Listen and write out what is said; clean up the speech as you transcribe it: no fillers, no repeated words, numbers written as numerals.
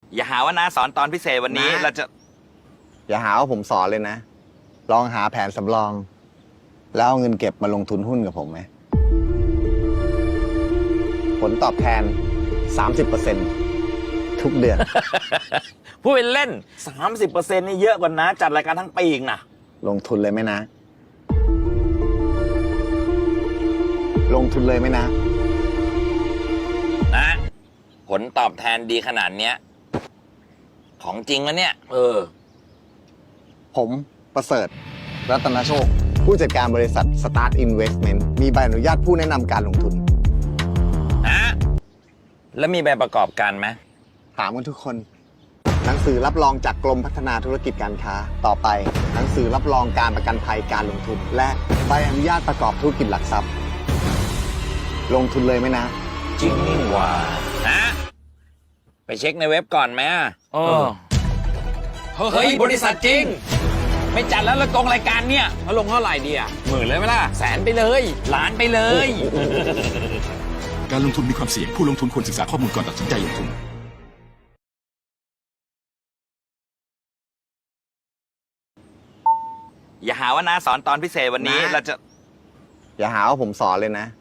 อย่าหาว่าน้าสอนตอนพิเศษวันนี้น้าเราจะอย่าหาว่าผมสอนเลยนะ ลองหาแผนสำรอง แล้วเอาเงินเก็บมาลงทุนหุ้นกับผมไหม ผลตอบแทน 30%ทุกเดือนพูดเป็นเล่น 30%นี่เยอะกว่าน้าจัดรายการทั้งปีอีกนะลงทุนเลยไหมนะ ลงทุนเลยไหมนะนะผลตอบแทนดีขนาดเนี้ยของจริงแล้วเนี่ยผมประเสริฐรัตนโชค ผู้จัดการบริษัท Start Investment มีใบอนุญาตผู้แนะนำการลงทุนนะแล้วมีใบประกอบการไหมถามกันทุกคน หนังสือรับรองจากกรมพัฒนาธุรกิจการค้า ต่อไป หนังสือรับรองการประกันภัยการลงทุน และใบอนุญาตประกอบธุรกิจหลักทรัพย์ ลงทุนเลยไหมนะจริงนี่หว่านะไปเช็คในเว็บก่อนไหมเฮ้ย บริษัทจริง ไม่จัดแล้วละกงรายการเนี่ยเขาลงเท่าไหร่ดีอ่ะ10,000เลยไหมล่ะแสนไปเลยล้านไปเลยการลงทุนมีความเสี่ยงผู้ลงทุนควรศึกษาข้อมูลก่อนตัดสินใจลงทุนอย่าหาว่าน้าสอนตอนพิเศษวันนี้น้าเราจะอย่าหาว่าผมสอนเลยนะ